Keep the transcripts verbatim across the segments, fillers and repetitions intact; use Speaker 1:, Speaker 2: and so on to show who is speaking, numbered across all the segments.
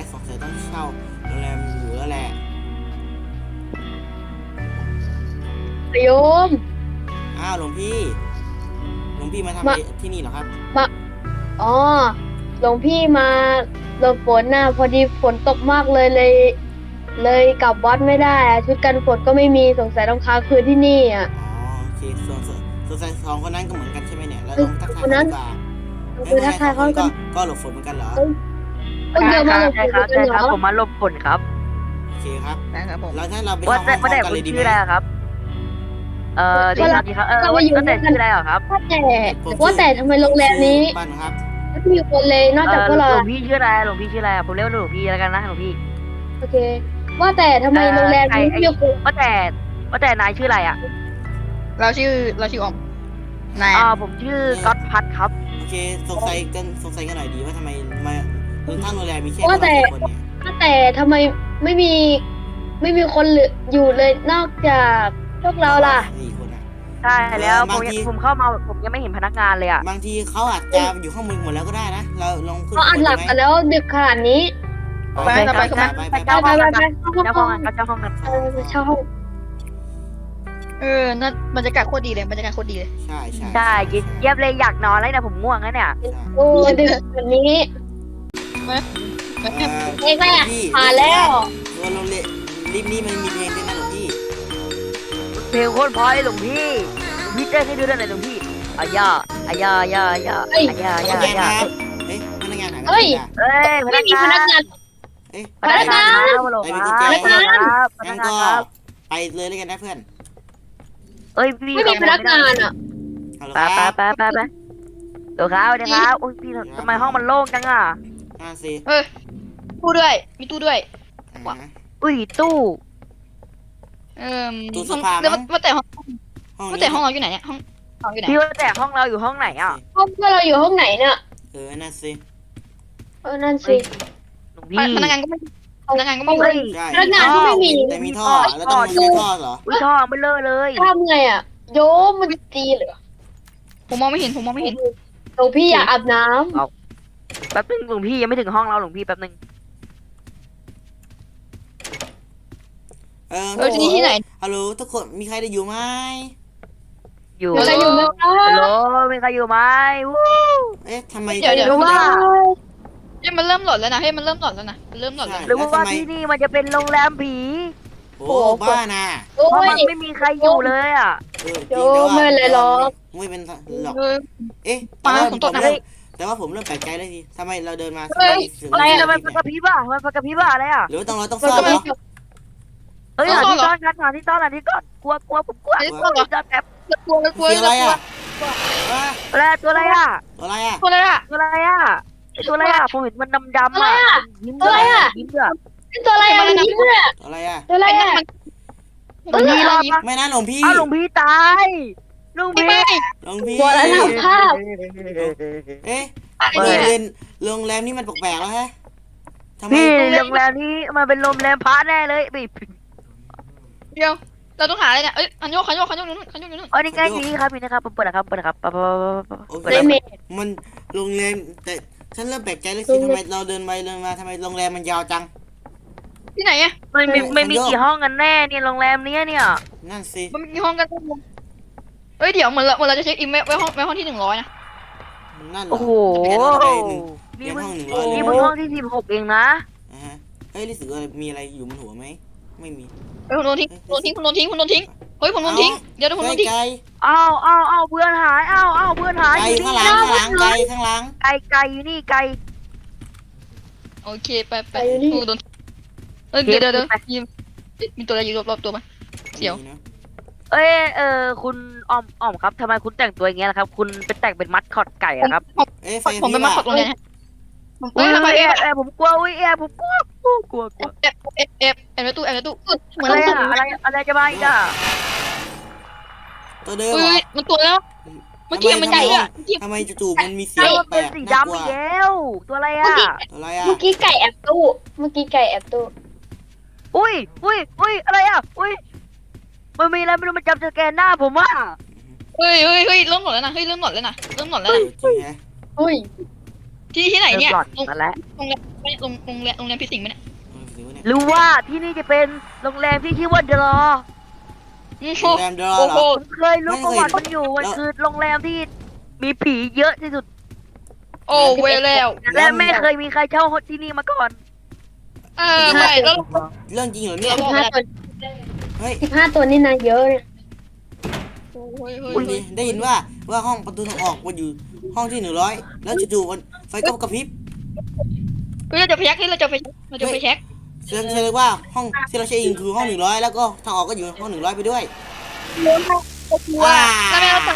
Speaker 1: สงสัยต้องเช่าโรงแรมอยู่แล้วแหละ
Speaker 2: โยม
Speaker 1: อ้าวหลวงพี่หลวงพี่มาทำอะไรที่นี่เหรอครับ
Speaker 2: มาอ๋อหลวงพี่มาหลบฝนน่ะพอดีฝนตกมากเลยเลย เลยกลับวัดไม่ได้อะชุดกันฝนก็ไม่มีสงสัยต้องค้างคืนที่นี่อ่ะ
Speaker 1: อ๋อโอเคส่วนส่วนส่วนสายสองคนนั้นก็เหมือนกันใช่ไหมเนี่ยแล้วลองทักทาย
Speaker 2: คนนั้น
Speaker 1: ดีกว่า
Speaker 2: คือทักทายเขา
Speaker 1: ก็
Speaker 2: ก็
Speaker 1: ก็หลบฝนเหมือนกันเหรอ
Speaker 2: เพิ่งเดินมาหลบฝ
Speaker 3: ใช่
Speaker 2: น
Speaker 3: ครับ
Speaker 2: กั
Speaker 3: ใช่
Speaker 2: นเห
Speaker 3: ค
Speaker 2: ร
Speaker 3: รับ
Speaker 2: อ
Speaker 3: ผมมาหลบฝนครับ
Speaker 1: โอเคครับ
Speaker 3: นะครับผม
Speaker 1: แล้วถ้าเราไป
Speaker 3: ว่า
Speaker 1: เช่าห้
Speaker 3: แต่
Speaker 1: องพร้อมกัน
Speaker 3: ว่าแต่คุ
Speaker 1: เล
Speaker 3: ณ
Speaker 1: ยดีไห
Speaker 3: ชื่
Speaker 1: ม
Speaker 3: ออะไรครับ เอ่อดีครับดีครับเออว่าว่าแต่ชื่ออะไรเหรอครับ
Speaker 2: ว่าแต่
Speaker 1: ผม
Speaker 2: ว่าแต่ทำไมโรงแรมนี้
Speaker 1: บ้านครับ
Speaker 2: ไม่มีคนเลยนอก
Speaker 3: เอ
Speaker 2: จาก
Speaker 3: อ
Speaker 2: พวกเรา
Speaker 3: หลวงพี่ชื่ออะไรหลวงพี่ชื่ออะไรผมเรียกว่าหลวงพี่แล้วกันนะหลวงพี่
Speaker 2: โอเค ว่าแต่ทำไมโรงแรมนี้ไม่มีคน
Speaker 3: ว่าแต่ว่าแต่นายชื่ออะไรอ่ะ
Speaker 4: เราชื่อเราชื่อออมนาย
Speaker 3: อ่าผมชื่อก๊อตพัทครับ
Speaker 1: โอเคสงสัยกันสงสัยกันหน่อยดีว่าทำไมมาทั้งโรงแรมมีแค่คนละคนเนี่ย
Speaker 2: ว่าแต่ทำไมไม่มีไม่มีคนเหลืออยู่เลยนอกจากพวกเราล่ะ
Speaker 1: สี่คนอะ
Speaker 3: ใช่แล้วผม
Speaker 1: บางที
Speaker 3: ผมเข้ามาผมยังไม่เห็นพนักงานเลยอ่ะ
Speaker 1: บางทีเขาอาจจะอยู่ข้างบนหมดแล้วก็ได้นะเราลองขึ้น
Speaker 2: เขาอัดหลับกันแล้วดึกขนาดนี้
Speaker 1: ไปไปไปไปไป
Speaker 3: เจ้า
Speaker 2: ไป
Speaker 3: ห้อง
Speaker 2: ไป
Speaker 3: กัน
Speaker 2: ไป
Speaker 3: เจ้าห้องกันเจ้าห้องกัน
Speaker 2: เออไปเช่าห้อง
Speaker 4: เออนั่นบรรยากาศโคตรดีเลยบรรยากาศโคตรดีเลย
Speaker 1: ใช่ใช่
Speaker 3: ใช่เยี่ยมเลยอยากนอนแล้วเนี่ยผมง่วงแล้วเนี่ย
Speaker 2: โอ้ดึกแบบนี้
Speaker 1: เอ่อ
Speaker 2: เองแม่
Speaker 1: พี่
Speaker 2: ผ่านแล้ว
Speaker 1: ตัวโรงเรียนรีบนี้มันมีเพลงด้วยนะหลวงพี่
Speaker 3: เพลงโคตรเพราะเลยหลวงพี่หลวงพี่เต้นให้ดูด้วยหน่อยหลวงพี่อายาอายาอายาอายาอายาอายา
Speaker 1: โอเค
Speaker 3: อายา
Speaker 1: ครับเอ๊ะพนักงานหา
Speaker 2: เฮ้ย
Speaker 3: เอ้ยพ
Speaker 2: ไม่
Speaker 3: นัก
Speaker 2: มี
Speaker 3: งา
Speaker 2: พนัก
Speaker 3: น
Speaker 2: งาน
Speaker 1: เอ๊ะ
Speaker 3: พนักงานครับฮัลโหลครับพนักงานครับพนั
Speaker 1: งั้
Speaker 3: ก
Speaker 1: น
Speaker 3: งาน
Speaker 1: ก็
Speaker 3: ครับ
Speaker 1: ไปเลยแล้วกันนะเพื่อน
Speaker 3: เอ้ยพี่
Speaker 2: ไม่มีพนักงานอ่ะ
Speaker 1: ฮัลโหล
Speaker 3: ไป
Speaker 1: ค
Speaker 3: ไป
Speaker 1: รับ
Speaker 3: ไปไปไปเดี๋ยวครับเดี๋ยวครับโอ้ยพี่ทำไมห้องมันโล่งจังอ่ะ
Speaker 1: ห้าสิ
Speaker 4: เออตู้ด้วยมีตู้ด้วย
Speaker 1: อ่า
Speaker 3: อุ้ยตู้
Speaker 4: เออ
Speaker 1: ตู้เสื้
Speaker 4: ห้
Speaker 1: อ
Speaker 4: อง
Speaker 1: ผ้า
Speaker 4: แล้ว
Speaker 1: มั้ง
Speaker 4: ว่าแต่ห้อง
Speaker 1: ห้อง
Speaker 4: ว่า
Speaker 1: นี้
Speaker 4: แต่ห้องเราอยู่ไหนเนี่ยห้องเราอยู่ไหน
Speaker 3: พี่ว่าแต่ห้องเราอยู่ห้องไหนอ่ะ
Speaker 2: ห้องเพื่อนเราอยู่ห้องไหนเนี่ย
Speaker 1: เออนั่นสิ
Speaker 2: เออนั่น
Speaker 3: เฮ้
Speaker 2: สิ
Speaker 3: ยหลวงพี่
Speaker 4: พนักงานก็ไม่พนักงานก็ไม่
Speaker 3: เฮ้ย
Speaker 1: ใช่
Speaker 2: พนักงานก็ไม่มี
Speaker 1: แต่มีท่อแล้วต้องใช้ท่อเหรอ
Speaker 3: อุ้ยท่อไม่เลอะเลย
Speaker 2: ทำไงอ่ะ โยมมันตีเหรอ
Speaker 4: ผมมองไม่เห็นผมมองไม่เห็น
Speaker 2: หลวงพี่อยากอาบน้
Speaker 3: แป๊บนึงหลวงพี่ยังไม่ถึงห้องเราหลวงพี่แป๊บนึง
Speaker 1: เออ
Speaker 4: เออที่นี่ที่ไหน
Speaker 1: ฮัลโหลทุกคนมีใครได้อยู่ไหม
Speaker 3: อยู่
Speaker 2: ำมีใครอยู่ไหมครั
Speaker 3: ฮัลโหล
Speaker 2: บ
Speaker 3: มีใครอยู่ไหมวู้
Speaker 1: เอ๊ะทำไม
Speaker 4: เดี๋ยวเดี๋ยว
Speaker 3: หรือว่า
Speaker 4: เฮ้ยมันเริ่มหลอนแล้วนะเฮ้ยมันเริ่มหลอนแล้วนะมันเริ่มหลอนแล้ว
Speaker 3: หรือว่าที่นี่มันจะเป็นโรงแรมผี
Speaker 1: โอ้บ้านะ
Speaker 2: โอ้
Speaker 3: เพราะ
Speaker 2: ย
Speaker 3: มันไม่มีใครอยู่เลยอ่ะ
Speaker 1: เออ
Speaker 2: โยมไม่เป็นไรหรอก
Speaker 1: ไม่เป็นหรอก
Speaker 4: เออ
Speaker 1: เอ๊ะ
Speaker 4: ปลา
Speaker 1: แต่ว่า
Speaker 4: ผม
Speaker 1: ผ
Speaker 4: ต
Speaker 1: ม
Speaker 4: กน้ำ
Speaker 1: เริ่มแต่ว่าผมเริ่มแปลกใจเลยทีทำไมเราเดินมา
Speaker 4: เฮ้ย
Speaker 1: ถึง
Speaker 3: เฮ้ย
Speaker 1: เ
Speaker 3: ทำไมมันกระพริบอ่ะทำไมมันกระพริบอ่ะอะไรอ่ะ
Speaker 1: หรือว่าต้องเราต้อง
Speaker 2: มัน
Speaker 1: ซ่อม
Speaker 2: ก็
Speaker 1: เหร
Speaker 2: ไม่
Speaker 1: อ
Speaker 3: เฮ้ยหาที่ซ่อนกันหาที่ซ่อนหาที่ซ่อนกลัวกลัวผมกลัว
Speaker 4: เฮ้ย
Speaker 3: กลัวจะแบบ
Speaker 4: กลัวกลัว
Speaker 1: เสีย
Speaker 4: ก
Speaker 1: อะไร
Speaker 4: ลัว
Speaker 1: อ่ะว้า
Speaker 3: อะไรตัวอะไรอ่ะ
Speaker 1: ตัวอะไรอ่ะ
Speaker 4: กลัวอะไรอ่ะ
Speaker 3: ตัวอะไรอ่ะตัวอะไรอ่ะผมเห็นมันดำดำ
Speaker 2: อะไร
Speaker 3: อ่ะ
Speaker 2: อ่ะ
Speaker 3: ยิ้ม
Speaker 2: ตัวอะไรอ่ะ
Speaker 3: ยิ้มอ่ะ
Speaker 2: นี่ตัวอะไรอ่ะมันยิ้มด้วยอ่ะ
Speaker 1: ตัวอะไรอ่ะ
Speaker 2: ตัวอะไรอ่ะ
Speaker 3: หลวงพี่รอดปะ
Speaker 1: ไม่นะหลวงพี่
Speaker 3: อ้าวหลวงพี่ตายหลวง
Speaker 4: ไม่
Speaker 3: พี่
Speaker 4: ไม่
Speaker 1: หลวงพี่
Speaker 2: ตัวอะไรทำภาพ
Speaker 1: เอ๊ะ
Speaker 4: อะไร
Speaker 1: โรง
Speaker 4: เนี่ย
Speaker 1: เรียนโรงแรมนี่มันแปลกๆแล้วฮะทำไม
Speaker 3: พี่โรงแรมนี้มันเป็นโรงแรมพระแน่เลยพี่
Speaker 4: เดี๋ยวเราต้องหาอะไรเนี่ยเอ้ยคันโยกคันโยกคันโยกอยู่นู่นคันโยกอยู่นู่น
Speaker 3: อ๋อนี่ไงนี่ครับนี่นะครับเปิดนะครับเปิดนะครับเปิด
Speaker 1: โอเค
Speaker 2: ในเมฆ
Speaker 1: มันโรงแรมแต่ฉันเริ่มแปลกใจเลยสิทำไมเราเดินไปเดินมาทำไมโรงแรมมันยาวจัง
Speaker 4: ที่ไหนอ่ะ
Speaker 3: ไม่มีไม่มีกี่ห้องกันแน่เนี่ยโรงแรมนี้เนี่ย
Speaker 1: นั่นสิ
Speaker 4: มันมีห้องกันเอ้ยเดี๋ยวเหมือนเราเหมือนเราจะเช็คอินไว้ไว้ห้องไว้ห้องที่หนึ่งร้อยนะ
Speaker 1: นั่นเหรอ
Speaker 3: โอ้โห
Speaker 1: แผนเราจะไปหนึ่ง
Speaker 3: นี่
Speaker 1: เรียน
Speaker 3: มัน
Speaker 1: ห้องหนึ่งร้อยเลย
Speaker 3: นี่มันห้องที่สิบหกเองนะ
Speaker 1: อ่าฮะเฮ้ยรู้สึกว่ามีอะไรอยู่บนหัวไหมไม่มี
Speaker 4: เฮ้ยคุณโดนทิ้งคุณโดนทิ้งคุณโดนทิ้งคุณโดนทิ้งเฮ้ยผมโดนทิ้งเดี๋ยวคุณโดนทิ้ง
Speaker 1: ไกล
Speaker 3: อ้าวอ้าวอ้าวเพื่อนหายอ้าวอ้าวเพื่อนหาย
Speaker 1: ไกล
Speaker 3: อยู่
Speaker 1: ข้าง
Speaker 3: นี่
Speaker 1: หลัง
Speaker 3: นะ
Speaker 1: ข้างหลังไกลข้างหลัง
Speaker 3: ไก่ไก่อยู่นี่ไก่
Speaker 4: โอเคไปไปโดนเอ้ยเดี๋ยวเดี๋ยวเดี๋ยวยิมมีตัวอะไรอยู่รอบๆตัวไหม เสี่ยว
Speaker 1: มีนะ
Speaker 3: เอ้ยเออคุณอ้อมอ้อมครับทำไมคุณแต่งตัวอย่างเงี้ยล่ะครับ คุณเป็นแต่งเป็นมัดคอตไก่อะครับ
Speaker 1: เอ้ยไฟ
Speaker 4: ผมเป็น
Speaker 1: พี่
Speaker 4: มา
Speaker 1: ว่า
Speaker 4: ขับโรงเรียนฮะผม
Speaker 3: อุ้
Speaker 4: เอ้
Speaker 3: ย
Speaker 4: ยทำไม
Speaker 3: เอ
Speaker 4: เอฟ
Speaker 3: ฟเอฟผมกลัวอุ้ยเอฟผมกลัวกลัวกลัวกลัว
Speaker 4: เอฟเอฟเอฟเอฟในตู้เอฟในตู้เหมือน
Speaker 3: อะไร
Speaker 4: เรา
Speaker 3: อะอะไรอะไรจะมาอีกอะ
Speaker 1: ตัวเดิมเหร
Speaker 4: เฮ้
Speaker 1: อย
Speaker 4: มันตัวแล้วเมื่อกี้มันใหญ่อะ
Speaker 1: ทำไมจู่ๆมันมีเสีย
Speaker 3: เอ้าง มัน
Speaker 1: แปล
Speaker 3: เป็น
Speaker 1: ก
Speaker 3: สี
Speaker 1: น่าก
Speaker 3: ดำ
Speaker 1: ลัว
Speaker 3: อีกแล้วตัวอะไรอะ
Speaker 1: ตัวอะไรอ่ะ
Speaker 2: เมื่อกี้ไก่แอบตู้ เมื่อกี้ไก่แอบตู้
Speaker 3: อุ้ยอุ้ยอุ้ยอะไรอะอุ้ยมันมีอะไรไม่รู้มันจับสแกนหน้าผมว่า
Speaker 4: เฮ้ยเฮ้ยเฮ้ยเริ่มหลอนแล้วนะเฮ้ยเริ่มหลอนแล้วนะเริ่มหลอนแล้ว
Speaker 1: เอ
Speaker 4: นะ
Speaker 1: อจริงแฮะ
Speaker 2: อุ้ย
Speaker 4: ที่ที่ไหน
Speaker 3: เริ่ม
Speaker 4: เนี่ย
Speaker 3: หลอน
Speaker 4: โรง
Speaker 3: มาแล้ว
Speaker 4: โรงแรมไม่โรงโรงแรมโรงแรมพิสิงห์ไหมเนี่ย
Speaker 1: เออถือว่าเนี่ย
Speaker 3: รู้ว่าที่นี่จะเป็นโรงแรมที่ชื่อว่าเดลอ
Speaker 4: โอ้โห
Speaker 1: โรงแรมดอ
Speaker 4: โอ้
Speaker 1: เหร
Speaker 4: โห
Speaker 1: อ
Speaker 3: ผมเคยรู้ประวัติมันอยู่มันคือโรงแรมที่มีผีเยอะที่สุด
Speaker 4: โอ้เวรแล้ว
Speaker 3: และไม่เคยมีใครเช่าที่นี่มาก่อน
Speaker 4: เออไม่แล้ว
Speaker 1: เรื่องจริงเหรอเนี่ย
Speaker 2: สิบห้าตัว
Speaker 1: เฮ้ย
Speaker 2: สิบห้าตัวนี่นะเยอะเนี่ย
Speaker 4: โอ้ยเฮ้ย
Speaker 1: คุณดีได้ยินว่าว่าห้องประตูทางออกมันอยู่ห้องที่หนึ่งร้อยแล้วจู่ๆมันไฟก็กระพริบ
Speaker 4: เฮ้ยเราจะไปแช็คเราจะไปเราจะไปแช็ค
Speaker 1: แสดงแสดงว่าห้องที่เราใช้อิงคือห้องหนึ่งร้อยแล้วก็ทางออกก็อยู่ห้องหนึ่งร้อยไปด้วยว้า
Speaker 4: ทำไมเราตัด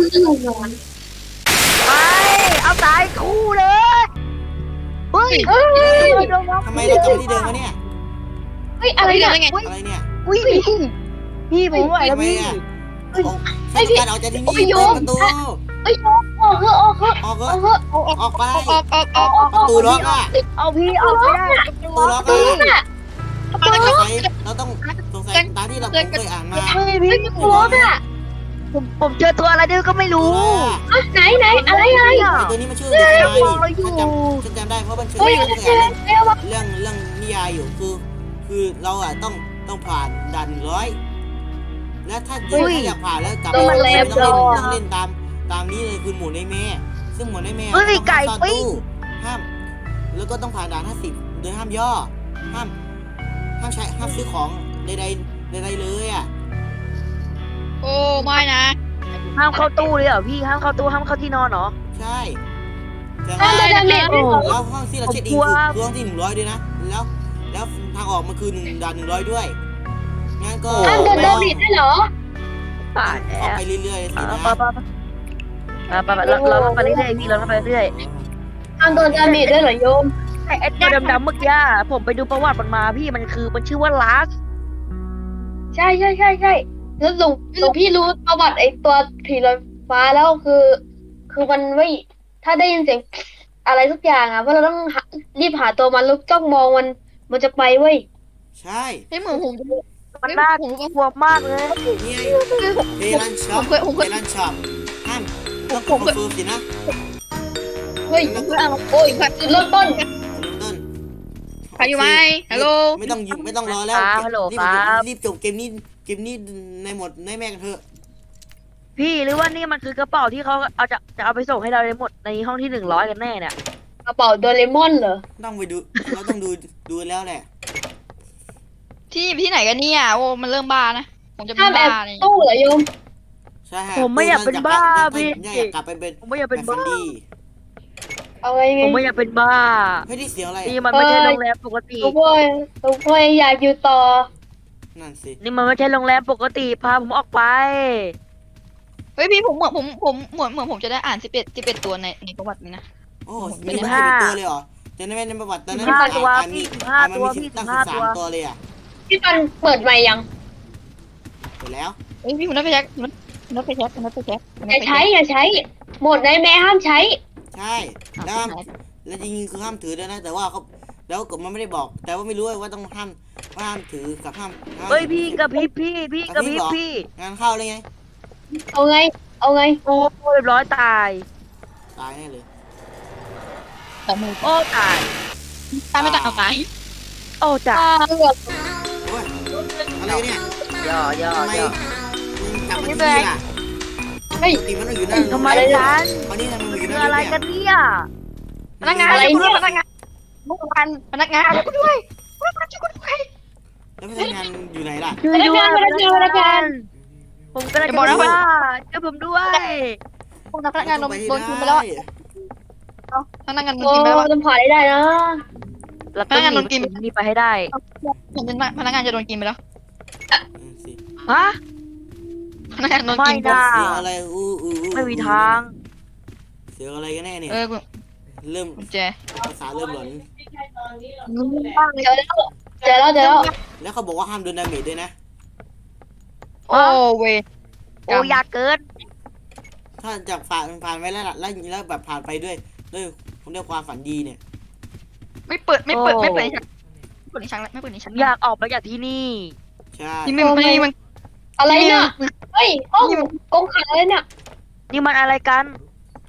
Speaker 3: ไปเอาสายคู่เลย เฮ้ย
Speaker 2: เฮ้ย
Speaker 1: ทำไมเรากลับมาที่เดิมวะเนี่ย
Speaker 2: เฮ้ยอะไร
Speaker 4: เรา
Speaker 2: เนี่ย
Speaker 4: ได้ไง
Speaker 1: อะไรเนี่ย
Speaker 3: อุ้ยพี่พี่ผมไหวแล้ว
Speaker 1: ทำไม
Speaker 3: พี่
Speaker 1: อ่ะฉันต้องการออกจากที่นี่เปิดประตู
Speaker 2: เฮ้ยออกเถอะออกเถอะ
Speaker 1: ออก
Speaker 2: อ
Speaker 1: เถ
Speaker 2: อก
Speaker 1: อะ
Speaker 2: เถอะ
Speaker 4: ออกออก
Speaker 1: ออกไป
Speaker 4: ออกออกออกออก
Speaker 1: ประตูล็อกอ่ะ
Speaker 3: เอาพี่ออกไม่ได้
Speaker 1: ประตูล็อก
Speaker 2: เฮ้
Speaker 1: อ่ะ
Speaker 2: ย
Speaker 1: สงสัยเราต้องสงสัยตามที่เราเคยอ่านมา
Speaker 3: เฮ้ยพี่
Speaker 2: ตัวน่ะ
Speaker 3: ผมผมเจอตัวอะไรด้วยก็ไม่รู้
Speaker 2: อ่ะไหนไหนอะไรอะไร
Speaker 1: ไอ้ตัวนี้มันชื่อเด็กชายฉันจำฉันจำได้เพราะมันชื่อ
Speaker 2: เฮ้ย
Speaker 1: เรื่อง
Speaker 2: เจอเจอวะ
Speaker 1: เรื่องเรื่องนิยายอยู่คือ คือเราอ่ะต้องต้องผ่านด่านหนึ่งร้อยแล้วถ้าอยากอยากผ่านแล้วกลับต้องเล่นต้องเล่นตามตามนี้เลยคือหมุนในแม่ซึ่งหมุนในแม่ต้องห้ามซ่อนตู้ห้ามแล้วก็ต้องผ่านด่านห้าสิบโดยห้ามย่อห้ามห้ามใช้ห้ามซื้อของใดๆใดๆเลยอ่ะ
Speaker 4: โอ้ไม่นะ
Speaker 3: ห้ามเข้าตู้เลยเหรอพี่ห้ามเข้าตู้ห้ามเข้าที่นอนเหรอ
Speaker 1: ใช่แต่
Speaker 2: ห้ามเดินดาเมจด้วยเหรอ
Speaker 1: แล้วห้องที่เราเช็คอินคือคือห้องที่หนึ่งร้อยด้วยนะแล้วแล้วทางออกมันคือหนึ่งด่านหนึ่งร้อยด้วยงั้นก็
Speaker 2: ห้ามเดินดาเมจด้วยเหรอ
Speaker 3: ป่าแล้
Speaker 1: เข้าไป
Speaker 3: ว
Speaker 1: เรื่อยๆสินะ
Speaker 3: ไปไปไปไปเราเราไปเรื่อยๆพี่เราไปเรื่อย
Speaker 2: ห้ามเดินดาเมจด้วยเหรอโยม
Speaker 3: ไอ้ไอ้ตัวดำๆเมื่อกี้ผมไปดูประวัติมันมาพี่มันคือมันชื่อว่าลาส
Speaker 2: ใช่ใช่ใช่ใช่แล้วหลวงหลวงพี่รู้ประวัติไอ้ตัวผีลอยฟ้าแล้วคือ คือมันไม่ถ้าได้ยินเสียงอะไรทุกอย่างอ่ะว่าเราต้องหารีบหาตัวมันแล้วจ้องมองมันมันจะไปเว้ย
Speaker 1: ใช่
Speaker 4: ให้เหมือนผม
Speaker 3: มันน่ากลัวมากเลย
Speaker 1: นี่ไงเฮลันช็อปเฮลันช็อปห้ามต้องคอนเฟิร์มสินะ
Speaker 2: เฮ้ย
Speaker 4: ผมเพื่อนโอ้ยครับ
Speaker 2: จุดเริ่มต้น
Speaker 1: เริ่มต้น
Speaker 4: ใครอยู่ไหมฮัลโหล
Speaker 1: ไม่ต้องไม่ต้องรอแล้วรีบรีบจบเกมนี้เกมนี้ในหมดในแม่กันเถอะ
Speaker 3: พี่หรือว่านี่มันคือกระเป๋าที่เขาเอาจะจะเอาไปส่งให้เราในหมดในห้องที่หนึ่งร้อยกันแน่เนี่ย
Speaker 2: กระเป๋าโดเรมอนเหรอ
Speaker 1: ต้องไปดูเราต้องดูดูแล้วแหละ
Speaker 4: ที่ที่ไหนกันเนี่ยโอ้มันเริ่มบ้านะผมจะเป็
Speaker 2: ห้าม
Speaker 4: น
Speaker 2: แอ
Speaker 4: บ้า
Speaker 2: บ
Speaker 4: เนี่ย
Speaker 2: ตู้เหรอโยม
Speaker 1: ใช่
Speaker 3: ผมไม่อยากเป็นบ้าพี่
Speaker 1: อยากกลับไปเป็น
Speaker 3: ผมไม่อยาก
Speaker 1: แบ
Speaker 3: เป็น
Speaker 1: บฟั
Speaker 3: บ้าน
Speaker 1: ดี้
Speaker 2: เอาไงไง
Speaker 3: ผมไม่อยากเป็นบ้า
Speaker 1: เฮ้ยนี่เสียงอะไร
Speaker 3: นี่มันไม่ใช่โรงแรมปกติ
Speaker 2: ทุกคนทุกคนอยากอยู่ต่อ
Speaker 1: นั่นสิ
Speaker 3: นี่มันไม่ใช่โรงแรมปกติพาผมออกไป
Speaker 4: เฮ้ยพี่ผมเหมือนผมผมเหมือนเหมือนผมจะได้อ่านสิบเอ็ดสิบเอ็ดตัวในในประวัตินี้นะ
Speaker 1: โอ้มีสิบห้าตัวเลยเหรอจะได้ไม่ในประวัติตอนนั้น
Speaker 3: สิบห้าตัว
Speaker 1: มี
Speaker 3: สิบห้า
Speaker 1: มัน
Speaker 3: ตัว
Speaker 1: มี
Speaker 3: พี่
Speaker 1: ตั้ง
Speaker 3: สิ
Speaker 1: สิ
Speaker 3: บบ ห้า
Speaker 1: สาม
Speaker 3: ตัว
Speaker 1: ตัวเลยอ่ะ
Speaker 2: พี่ปันเปิดใหม่ยัง
Speaker 1: หมดแล้ว
Speaker 4: เฮ้ยพี่ผมนัดไปแช็คผมนัดไปแช็คผมนัดไปแช็คผม
Speaker 2: อ
Speaker 4: นัด
Speaker 2: ย่า
Speaker 4: ไป
Speaker 2: ใช้
Speaker 4: แช็ค
Speaker 2: อย่าใช้ หมดในแม่ห้ามใช้
Speaker 1: ใช่แล้วห้ามแล้วจริงๆคือห้ามถือด้วยนะ แต่ว่าเขาแล้วกฎมันไม่ได้บอก แต่ว่าไม่รู้ว่าต้องห้ามว่าห้ามถือกับห้ามห้าม
Speaker 3: เฮ้ยพี่กระพริบพี่พี่กระพริบพี่
Speaker 1: งานเข้าเลยไง
Speaker 2: เอาไง เอาไง
Speaker 3: โอ้เรียบร้อยตาย
Speaker 1: ตายแน่เลย
Speaker 4: แต่มือ
Speaker 3: โอ้ตาย
Speaker 4: ตายไม่ตายเอาตาย
Speaker 3: โอ้จ้ะ
Speaker 2: เลือก
Speaker 1: โอ้ยอะไรเนี่ย
Speaker 3: ย่อย่อ
Speaker 1: ทำไม
Speaker 3: ย่อ
Speaker 1: มึงกลับมาที่นี่ล่ะ
Speaker 2: เฮ้ย
Speaker 1: ปกติมันต้องอยู่นั่น
Speaker 3: ทำไมกัน
Speaker 1: ตอนนี้ทำไมมันอยู่
Speaker 3: คือ
Speaker 1: นั่น
Speaker 3: อะไร
Speaker 1: เนี่ย
Speaker 3: กันเนี่ย
Speaker 4: พนักงาน
Speaker 2: อะไรเนี่ย
Speaker 4: พนักงานพนักงานพนักงานช่วยกูด้วยพนักงานช่วยกูด้วย
Speaker 1: แล้วพนักงานอยู่ไหนล่ะ
Speaker 3: ช่วยด้วย
Speaker 2: พนักงานพนักงาน
Speaker 3: ผมกำลังจะบอกว่าช่วยผมด้วย
Speaker 4: พวกนักพนักงานโดนโดนกินไปแล้วเอาพนักงานโดน
Speaker 2: โอ้
Speaker 4: กินไปแล้ว
Speaker 2: ต้องผ่านได้นะ
Speaker 3: เราต้องหนีนี่ไปให้ได้
Speaker 4: เหมือนพนักงานจะโดนกินไปแล้ว
Speaker 1: อืมสิ
Speaker 3: ฮะ
Speaker 4: พนักงานโดนกิน
Speaker 3: ไม่ได้
Speaker 1: เสียงอะไรอู้อู้อู้
Speaker 3: ไม่มีทาง
Speaker 1: เสียงอะไรกันแน่เนี่ย
Speaker 4: เออ
Speaker 1: เริ่ม
Speaker 4: กุญแจ
Speaker 1: ภาษาเริ่มหลอน
Speaker 2: เจอแล้วเจอแล้วเจอแล้ว
Speaker 1: แล้วเขาบอกว่าห้ามโดนดาเมจด้วยนะ
Speaker 4: โอ้เว
Speaker 3: โอ้ยากเกิน
Speaker 1: ถ้าจากผ่านผ่านไปแล้วล่ะแล้วแล้วแบบผ่านไปด้วยด้วยผมเรียกความฝันดีเนี่ย
Speaker 4: ไม่เปิดไม่เปิดไม่เปิดในชั้นไม่เปิดในชั้นไม่เปิดในชั้น
Speaker 3: อยากออกไปจากที่นี่
Speaker 1: ใช่
Speaker 4: นี่มันนี่มัน
Speaker 2: อะไรเนี่ย เฮ้ยห้องกงขังเลยเนี่ย
Speaker 3: นี่มันอะไรกัน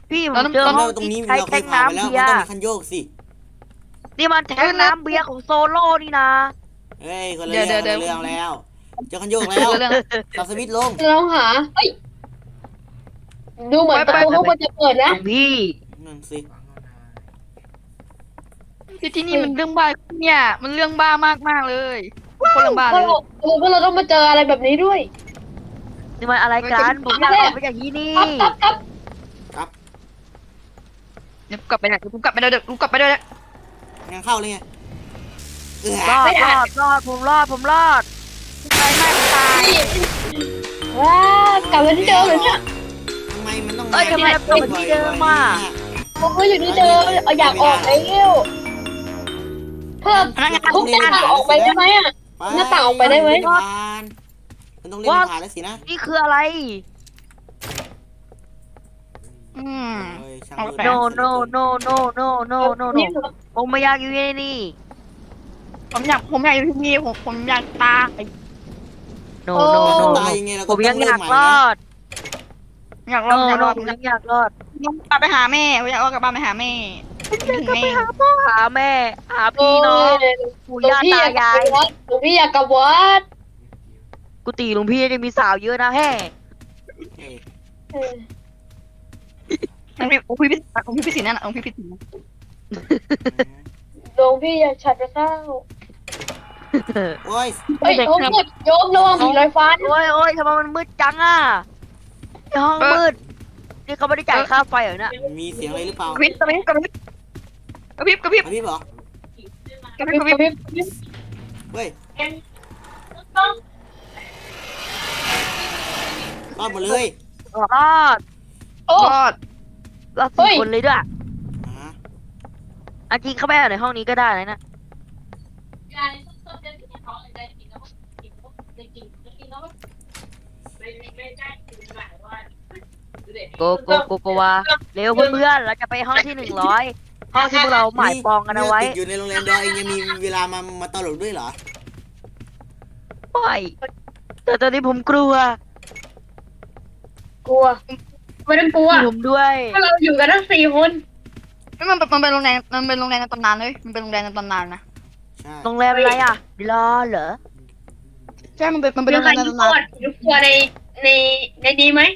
Speaker 3: พี่ผ
Speaker 4: เรา
Speaker 3: ม
Speaker 4: ต้อง
Speaker 3: เจอ
Speaker 1: เรา
Speaker 3: ห้อง
Speaker 1: ตรงนี้
Speaker 3: ที่ใช้
Speaker 1: เราเค
Speaker 3: แท
Speaker 1: ย
Speaker 3: ง
Speaker 1: ผ่านไป
Speaker 3: น้ำ
Speaker 1: แล้ว
Speaker 3: เบี
Speaker 1: มัน
Speaker 3: ย
Speaker 1: ต้อง
Speaker 3: ร์
Speaker 1: มีคันโยกสิ
Speaker 3: นี่มันแทงน้ำเบียร์ของโซโล่นี่นะ
Speaker 1: เฮ้ยคนละเรื่องคนละเรื่องแล้วเจอคันโยกแล้ว
Speaker 4: เรื่อง
Speaker 1: สับสวิตช์ลง
Speaker 2: เราหาเฮ้ยดูเหมือนประตูข้างบนจะเปิด
Speaker 3: หล
Speaker 2: นะ
Speaker 3: วงพี่
Speaker 1: นั่นสิ
Speaker 4: ที่ที่นี่มันเรื่องบ้าเนี่ย มันเรื่องบ้ามากมากๆเลยคนเรื่องบ้า
Speaker 2: พ
Speaker 4: เล
Speaker 2: วย กเราเออพวกเราต้องมาเจออะไรแบบนี้ด้วย
Speaker 3: นี่มันอะไรกันผมอยากออกไปจากที่นี่
Speaker 2: ครับครับครับ
Speaker 1: ครับ
Speaker 4: เดี๋ยวกลับไปไหนเดี๋ยวกูกลับไปเดี๋ยวเดี๋ยวกูกลับไปเดี๋ยวเดี๋ยว
Speaker 1: ยังเข้าเลยไงเออ
Speaker 3: รอดรอดรอดผมรอดผมรอด
Speaker 4: ตายไม่ตาย
Speaker 2: ว้ากลับมาที่เดิมเลยเนี่ย
Speaker 1: ทำไมมันต้อง
Speaker 3: เอ้ยทำไมเรากลับมาที่เดิมอ่ะ
Speaker 2: ผมก็อยู่ที่เดิมเอาอยากออกแล้วเพิ่มทุกอย่างออกไปได้ไหมอ่ะ หน้าต่างออกไปได้ไหม
Speaker 1: มันต้องเล่นผ่านแล้วสินะ
Speaker 3: นี่คืออะไร
Speaker 4: อืม
Speaker 1: เฮ้ยช่าง
Speaker 4: เอา
Speaker 1: มืด
Speaker 4: ไป
Speaker 3: no no no no no no no no ผมไม่อยากอยู่ในนี่
Speaker 4: ผมอยากผมอยากอยู่ที่นี่ผมผมอยากตาย
Speaker 3: no
Speaker 2: โอ้
Speaker 3: no no
Speaker 1: ตายยังไงเรา
Speaker 3: ผ
Speaker 1: ก็
Speaker 3: ม
Speaker 1: ต้
Speaker 3: ยั
Speaker 1: อง
Speaker 3: ง
Speaker 1: เริ่
Speaker 3: อ
Speaker 1: ม
Speaker 3: ยาก
Speaker 1: ใหม่
Speaker 3: ร
Speaker 1: นะ
Speaker 3: อด
Speaker 4: อยากรอ
Speaker 3: no
Speaker 4: ดอยากร
Speaker 3: no
Speaker 4: อด
Speaker 3: ผมยังอยากรอด
Speaker 4: ผมกลับไปหาแม่ผมอยากเอากลับบ้านไปหาแม่คิดถึงแม่
Speaker 3: หาแม่ หาพี่น้องปู่
Speaker 2: หลวง
Speaker 3: ย่า
Speaker 2: พี่อ
Speaker 3: ตายาย
Speaker 2: ายกกลับวัดหลวงพี่อยากกลับวัด
Speaker 3: กุฏิหลวงพี่จะมีสาวเยอะนะแฮ่
Speaker 1: เฮ้ย
Speaker 2: เออ
Speaker 4: องค์พี่องค์พี่พิองค์พี่พิสิทธิ์นั่นน่ะองค์พี่พิสิทธิ์นะ
Speaker 2: หลวงพี่อยากฉันไปข้าว
Speaker 1: โอ้ย
Speaker 2: เฮ้ยโยมหมดโยมระวังผีลอยฟ้านะ
Speaker 3: โอ้ยโอ้ยทำไมมันมืดจังอ่ะในห้องมืด นี่เขาไม่ได้จ่ายค่าไฟเหรอเนี่ย
Speaker 1: มีเสียงอะไรหรือเปล่าก
Speaker 4: ระพริบกระพริบกระพริบกระพริบกระพริบ
Speaker 1: กระพริบเหรอก
Speaker 4: ระพริบกระพริบ
Speaker 1: เฮ้ยรอดหมดเลย
Speaker 3: รอด
Speaker 2: โอ้
Speaker 4: รอด
Speaker 3: รอด
Speaker 2: เฮ้
Speaker 3: สี่
Speaker 2: ย
Speaker 3: คนเลยด้วย
Speaker 1: อ่า
Speaker 3: อันจริงเข้าไปเอาในห้องนี้ก็ได้นะนะโกโกโกโกวาเร็วเพื่อนๆเราจะไปห้องที่หนึ่งร้อยห้องที่พวกเราหมายปองกันเอาไว้
Speaker 1: ติดอยู่ในโรงแรมดอยเองยังมีเวลามามาตลกด้วยเหรอ
Speaker 3: ไปแต่ตอนนี้ผมกลัว
Speaker 2: กลัวไม่ต้องกลัว
Speaker 3: ผมด้วย
Speaker 2: เพราะเราอยู่กันทั้งสี่คน
Speaker 4: ไม่มันมันเป็นโรงแรมมันเป็นโรงแรมในตำนานเลยมันเป็นโรงแรมในตำนานนะ
Speaker 1: ใช่
Speaker 3: โรงแรมอะไรอ่ะรอเหรอ
Speaker 4: ใช่มันเป็นมันเป็น
Speaker 2: มี
Speaker 4: โรง
Speaker 2: ใค
Speaker 4: แร
Speaker 2: ร
Speaker 4: มใน
Speaker 2: อยู่
Speaker 4: ตำนาน
Speaker 2: ก่อนอยู่กลัวในในในนี้ไหม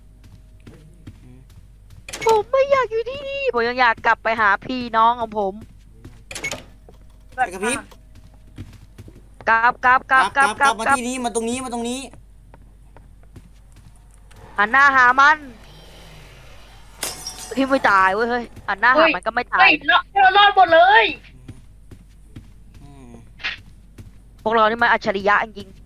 Speaker 3: ผมไม่อยากอยู่ที่นี่ผมยังอยากกลับไปหาพี่น้องของผม
Speaker 1: ไปกระพริบ
Speaker 3: กลับกลับก
Speaker 1: ก
Speaker 3: ลั
Speaker 1: ลั
Speaker 3: บบ ก
Speaker 1: ก
Speaker 3: ลั
Speaker 1: ลั
Speaker 3: บบ ก
Speaker 1: ก
Speaker 3: ลั
Speaker 1: ลั
Speaker 3: บบ
Speaker 1: มา
Speaker 3: กลับ
Speaker 1: ที่นี้มาตรงนี้มาตรงนี้
Speaker 3: หันหน้าหามันพี่ไม่ตายเว้ยเฮ้ยหันหน้าหามันก็ไม่ตา
Speaker 2: เฮ้
Speaker 3: ย
Speaker 2: ยเราเรารอดหมดเลย
Speaker 1: อืม
Speaker 3: พวกเรานี่มันอัจฉริยะจริง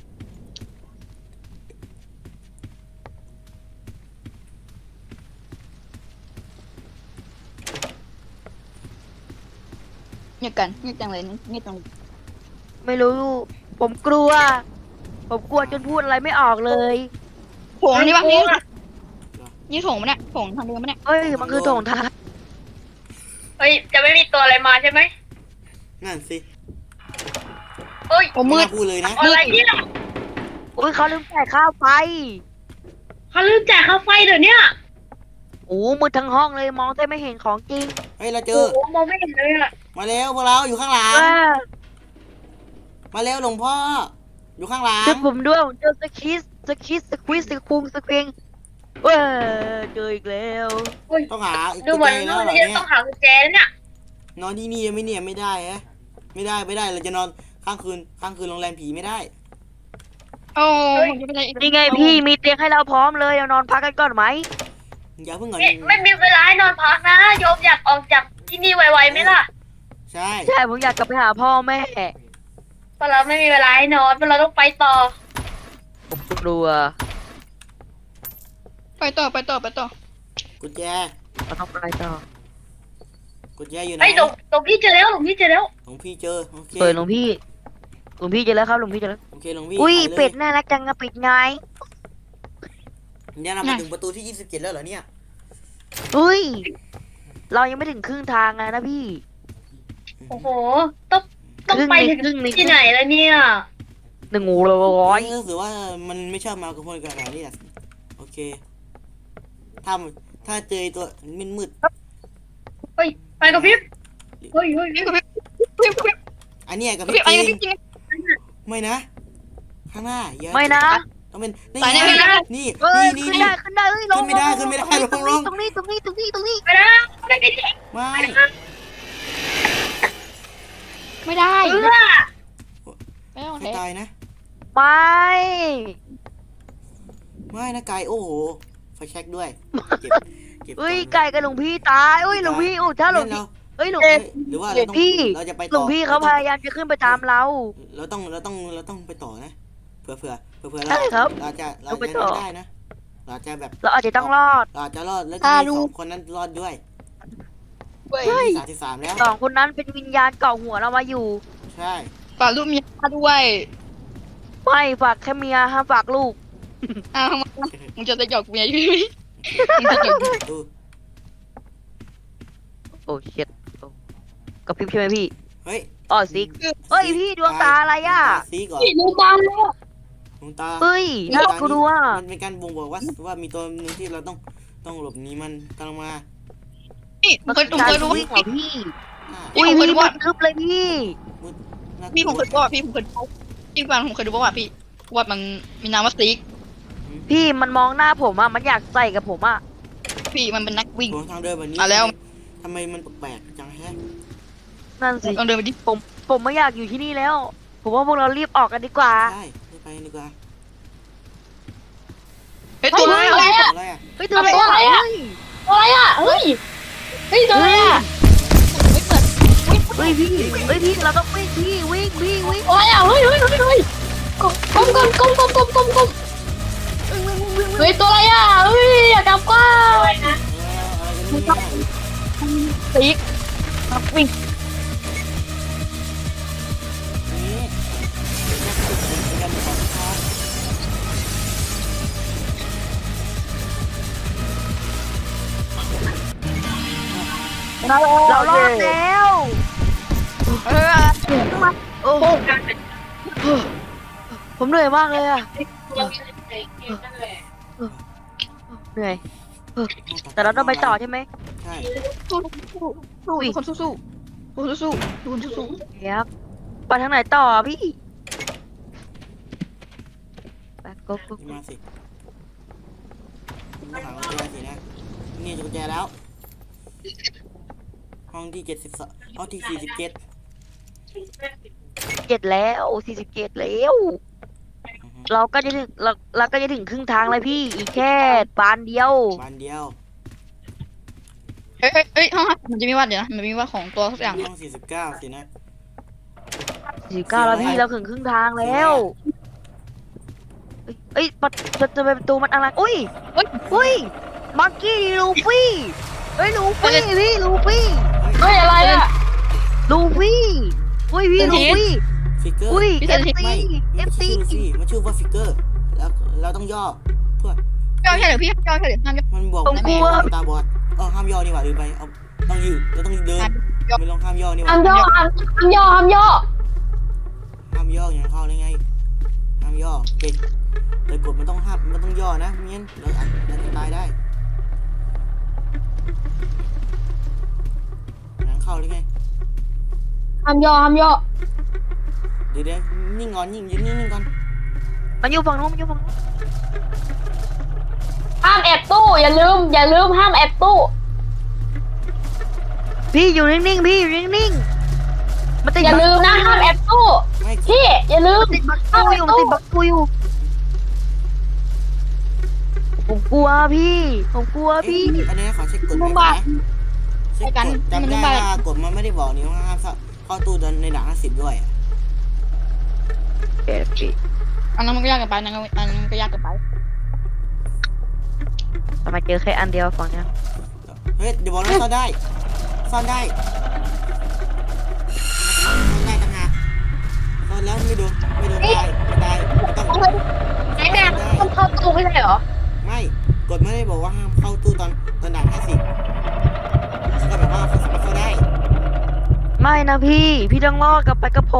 Speaker 4: เงียบกันเงียบจังเลยเงียบจัง
Speaker 3: ๆไม่รู้ ผมกลัว ผมกลัวจนพูดอะไรไม่ออกเลย
Speaker 4: โถงนี่ปะนี่นี่โถงมันเนี่ยโถงทางเดินมันเนี่ย
Speaker 3: เฮ้ยมันคือโถงทาง
Speaker 2: เฮ้ยจะไม่มีตัวอะไรมาใช่ไหม
Speaker 1: นั่นสิ
Speaker 2: เฮ้ย
Speaker 4: ผมมืด
Speaker 1: ไน่าพูดเลยนะ
Speaker 2: อะไรเนี่ย
Speaker 3: อุ้ยเขาลืมจ่ายค่าไฟ
Speaker 2: เขาลืมจ่ายค่าไฟเดี๋ยวเนี้ย
Speaker 3: โอ้มืดทั้งห้องเลยมองแทบไม่เห็นของจริง
Speaker 1: เฮ้ยเราเจ
Speaker 2: โอ้
Speaker 1: อ
Speaker 2: โหมองไม่เห็นเลยอะ
Speaker 1: มาแล้วพวกเราอยู่ข้างหลัง
Speaker 3: ว้า
Speaker 1: มาแล้วหลวงพ่อ อยู่ข้างหลัง
Speaker 3: ช่วยผมด้วยผมเจอสคิสสคิสสควิสสคุงสควิงเว้ยเจออีกแล้ว
Speaker 1: ต้องหาอีก
Speaker 2: ดูเหมือน
Speaker 1: แล้
Speaker 2: นู่
Speaker 1: วน เหรอ
Speaker 2: นี่
Speaker 1: เนี่ย
Speaker 2: ต้องหากุญแจแล้วเนี่ย
Speaker 1: นอนที่นี่ยังไม่เนี่ยไม่ได้ฮะไม่ได้ไม่ได้เราจะนอนข้างคืนข้างคืนโรงแรมผีไม่ได้
Speaker 4: โอ้ผมจะไปไหนอีก
Speaker 3: นี่ไงพี่มีเตียงให้เราพร้อมเลยเรานอนพักกันก่อนไหม
Speaker 1: อย่าเพิ่งก่อน
Speaker 2: ไม่ไม่มีเวลาให้นอนพักนะโยมอยากออกจากที่นี่ไวๆไหมล่ะ
Speaker 1: ใช่
Speaker 3: ใช่ผมอยากกลับไปหาพ่อแม่
Speaker 2: เพราะเราไม่มีเวลาให้นอนเพราะเราต้องไปต่อ
Speaker 3: ผมกลัว
Speaker 4: ไปต่อไปต่อไปต่อ
Speaker 1: กุญแจ
Speaker 3: เราต้องไปต่อ
Speaker 1: กุญแจอยู่ไหน
Speaker 2: ไอ้ยหลวงหลวงพี่เจอแล้วหลวงพี่เจอแล้ว
Speaker 1: หลวงพี่เจอโอเค
Speaker 3: เปิดหลวงพี่หลวงพี่เจอแล้วครับหลวงพี่เจอแล้ว
Speaker 1: โอเคหลวงพี่
Speaker 3: อุ้ย
Speaker 1: ถ่าล
Speaker 3: เป็ดน่ารักจังอะเป็ดไง
Speaker 1: เนี่ยเรามาถึงประตูที่ยี่สิบเจ็ดแล้วเหรอเนี่ย
Speaker 3: อุ้ยเรายังไม่ถึงครึ่งทางเลยนะพี่
Speaker 2: โอ้โหต้องต้องไปถึง
Speaker 3: ครึ่งในครึ่งใน
Speaker 2: ที่ไหนแล้วเนี่ย
Speaker 3: หนึ่งงูร้อย
Speaker 1: รู้สึกว่ามันไม่ชอบมากับคนกันแบบนี้แหละโอเคถ้าถ้าเจอตัวมืด
Speaker 2: เฮ้ยไปกับพี่เฮ้ยเฮ้ย
Speaker 4: พี่กับพี่พี่พี่
Speaker 1: ๆอันเนี้ยกับ
Speaker 4: พี่
Speaker 1: พี่
Speaker 4: อัน
Speaker 1: จ
Speaker 4: นี้
Speaker 1: ริ
Speaker 4: พี่
Speaker 1: ง
Speaker 4: จริง
Speaker 1: ไม่นะ ข้างหน้าอย่า
Speaker 3: ไม่นะ
Speaker 1: ต้องเป็นนี่
Speaker 4: ตายแน่
Speaker 1: ไง
Speaker 4: ไม่ได้
Speaker 1: นี่
Speaker 3: เอ้ย
Speaker 1: นี่
Speaker 3: ขึ้น
Speaker 1: นี่
Speaker 3: ได้ขึ้นได้เอ้ยลง
Speaker 1: ขึ้นไม่ได้ขึ้นไม่ได้
Speaker 3: ลง
Speaker 1: ลงลง
Speaker 3: ตรงนี้ตรงนี้ตรงนี้ตรงนี้ตรงนี้
Speaker 2: ไปนะไปกันดิ
Speaker 1: ไม่
Speaker 4: ไม่ได้
Speaker 2: เออ
Speaker 4: ไม่เอา
Speaker 1: ใคร
Speaker 4: แท้
Speaker 1: ตายนะ
Speaker 3: ไม่
Speaker 1: ไม่นะไก่โอ้โหไฟแช็กด้วยเก็บเก็บ
Speaker 3: เอ้ย
Speaker 1: ก่อน
Speaker 3: ไก่กับหลวงพี่ตายเอ้ยหลวงพี่โอ้ถ้าหลวง
Speaker 1: งั้น
Speaker 3: พี่
Speaker 1: เรา
Speaker 3: เอ้ยหลวง
Speaker 1: เอ้ยหรือว่าเราต้อง
Speaker 3: พี่
Speaker 1: เราจะไป
Speaker 3: หล
Speaker 1: ต่
Speaker 3: ว
Speaker 1: อง
Speaker 3: พี่เขาพยายามจะขึ้นไปตามเรา
Speaker 1: เราต้องเราต้องเราต้องไปต่อนะเผื่อเผื่อเผื่อเผื่อ
Speaker 3: ใช่ครับ
Speaker 1: เราจะเรา
Speaker 3: เราไป
Speaker 1: จะ
Speaker 3: ต่อ
Speaker 1: ไม่ได้นะเราจะแบบ
Speaker 3: เราอาจจะต้องรอด
Speaker 1: เราจะรอดแล้วจะมีสองคนนั้นรอดด้วย
Speaker 4: เว้ย
Speaker 1: สามสิบสามแล้ว
Speaker 3: สองคนนั้นเป็นวิญญาณเกาะหัวเรามาอยู่
Speaker 1: ใช่
Speaker 4: ฝากลูกเมียด้วย
Speaker 3: ไม่ฝากแค่เมียห้ามฝากลูก
Speaker 4: อ้าวมึงจะจะหยอกเมียอยู่ไหมมึงจะหยอก
Speaker 1: ดู
Speaker 3: โอ้เช็ดกระพริบใช่ไหมพี่
Speaker 1: เฮ้ย
Speaker 3: อ๋อซิกเฮ้ยพี่ดวงตาอะไรอ่ะ
Speaker 1: ดวงตาซีก่อน
Speaker 2: พี่รู้ตามแล้ว
Speaker 1: ดวงตา
Speaker 3: เฮ้ยน่ากลัว
Speaker 1: มันเป็นการบ่งบอกว่าว่ามีตัวหนึงที่เราต้องต้องหลบหนีมันกำลังมา
Speaker 4: นี่ผมเคยผมเคยรู้
Speaker 3: วิ่งเหรอพี่
Speaker 1: อ่า
Speaker 4: พี่
Speaker 3: อุ้ย
Speaker 4: ผมเคย
Speaker 3: พี่
Speaker 4: รู้
Speaker 3: มั
Speaker 4: ว่า
Speaker 3: นทึบเลยพี่
Speaker 1: น่ากลัว
Speaker 4: พี่ผมเคยรู้ว่าพี่ผมเคยรู้พี่ฟังผมเคยรู้ว่าพี่ว่ามันมีนามว่าซิก
Speaker 3: พี่มันมองหน้าผมอ่ะมันอยากใส่กับผมอ่ะ
Speaker 4: พี่มันเป็นนักวิ่ง
Speaker 1: โหทางเดินแบบนี้
Speaker 4: อ่ะแล้ว
Speaker 1: ทำไมมันแปลกๆจังแฮะ
Speaker 3: นั่นสิ
Speaker 4: ลองเดินไปดิ
Speaker 3: ผมผมไม่อยากอยู่ที่นี่แล้ว ผมว่าพวกเรารีบออกกันดีกว่า
Speaker 1: ใช่ไปดีกว่า
Speaker 4: เฮ้ยตัวอะไร
Speaker 2: อะไรอะ
Speaker 1: อะไรอ่ะ
Speaker 3: เฮ้ยตัวอะไร
Speaker 2: ตัวอะไรอะ อะไรอ่ะ เฮ้ย เฮ้ยตัวอะไรอ่ะ
Speaker 3: เฮ้ยพี่เฮ้ยพี่เราต้องวิ่งพี่วิ่งวิ่งวิ่ง
Speaker 2: อะไรอ่ะ เฮ้ยเฮ้ยเฮ้ยเฮ้ยก้มก้มก้มก้มก้มก้มก้มก้มเฮ้ยตัวอะไรอ่ะ เฮ้ยอย่ากลับก้าว
Speaker 1: เอออะไรกันเนี่ย
Speaker 4: ซิกวิ่ง
Speaker 1: นี่เป็นการขอทาง
Speaker 3: เราเรารอดแล้ว
Speaker 4: เออ
Speaker 3: โอ้โหผมเหนื่อยมากเลยอะเหนื่อยแต่เราต้องไปต่อใช่ไหม
Speaker 1: ใช่
Speaker 4: สู้สู้ทุกคนสู้สู้ทุกคนสู้ทุกคนสู้
Speaker 3: ครับไปทางไหนต่ออะพี่ไปก็ก็
Speaker 1: นี่มาสิมาหากุญแจสินะนี่กุญแจแล้ว ห้องที่เจ็ดสิบสองห้องที่สี่สิบเจ็ด
Speaker 3: เจ็ดแล้วสี่สิบเจ็ดแล้ว เราก็จะถึงเราเราก็จะถึงครึ่งทางเลยพี่อีกแค่ปานเดียว
Speaker 1: บานเดียว
Speaker 4: เฮ้ยเฮ้ยเฮ้ยห้องมันจะมีวัดเดี๋ยวนะมันมีวัดของตัวสักอย่าง
Speaker 1: ห้องสี่สิบเก้าสินะ
Speaker 3: สี่เก้าแล้วพี่เราถึงครึ่งทางแล้วเอ้ยเอ้ยประประตูประตูมันอะไรอุ้ย
Speaker 4: เฮ้ย
Speaker 3: อุ้ยมังกี้ลูฟี่เฮ้ยลูฟี่พี่ลูฟี่
Speaker 2: เฮ้ยอะไรอ่ะ
Speaker 3: ลูฟี่อุ้ยพี่ลูฟี่
Speaker 1: ฟิกเกอร์
Speaker 3: อุ้ย
Speaker 4: พี่
Speaker 3: เอ
Speaker 4: เซน
Speaker 3: ฟ
Speaker 4: ที
Speaker 3: ซี
Speaker 1: ไม่
Speaker 3: เอ
Speaker 1: ไม่
Speaker 3: ฟ
Speaker 1: ใช่
Speaker 3: ซี
Speaker 1: ชื่อลูฟี่มันชื่อว่าฟิกเกอร์ แล้วเราต้องย่อเพื่อ
Speaker 4: ย่อแค่เดี๋ยวพี่ย่อแค่เดี๋ยวห้ามย่อ
Speaker 1: มันบอกว่าตาบอดเออห้ามย่อนี่หว่าลืมไปเอาต้องยืดเราต้องเดินไม่ลองห้ามย่อนี่ห
Speaker 2: ห้า
Speaker 1: ว่าม
Speaker 2: ย่อห้ามห้ามย่อห้ามย่อ
Speaker 1: ห้ามย่ออย่างเข้าได้ไงห้ามย่อเด็กแต่กดมันต้องห้ามมันต้องย่อนะไม่งั้นเราอาจเราจะตายได้อย่างเข้าได้ไง
Speaker 2: ห้ามย่อห้ามย่อ
Speaker 1: เดี๋ยวเดี๋ยวนิ่งก่อนนิ่งยืนนิ่งๆก่อน
Speaker 3: มันอยู่ฝั่งนู้นมันอยู่ฝั่งนู้น
Speaker 2: ห้ามแอบตู้ อย่าลืม อย่าลืมห้ามแอบตู้
Speaker 3: พี่อยู่นิ่งๆพี่อยู่นิ่งๆมันติด
Speaker 2: อย่าลืมนะห้ามแอบตู้
Speaker 1: ไม่
Speaker 2: พี่อย่าลืม
Speaker 3: ติดบักกูอยู่มันติดบักกูอยู่ผมกลัวพี่ผมกลัวพี่
Speaker 1: อันนี้ขอเช็คกฎหมายก่อนนะเช็คกฎจำได้ว่ากฎมันไม่ได้บอกนี่ว่าห้ามเข้าตู้ตอนในหลังห้าสิบด้วยอ่ะ
Speaker 3: เอ็ดพี่
Speaker 4: อันนั้นมันก็ยากเกินไปอันนั้นอันนั้นก็ยากเกินไป
Speaker 3: ทำไมเจอแค่อันเดียวฝั่งเนี้ย
Speaker 1: เฮ้ยเดี๋ยวบอกนะซ่อนได้ซ่อนได้ซ่อนได้ต่างหากซ่อนแล้วไม่โดนไม่โดนตายไม่ตายไม่ต้อง
Speaker 2: ไอ้แม่ต้องเข้าตู้ไม่ใช่เหรอ
Speaker 1: ไม่กฎไม่ได้บอกว่าห้ามเข้าตู้ตอนตอนด่านห้าสิบก็แบบว่าเขาสามารถเข้าได้
Speaker 3: ไม่นะพี่พี่ต้องรอดกลับไปกับผม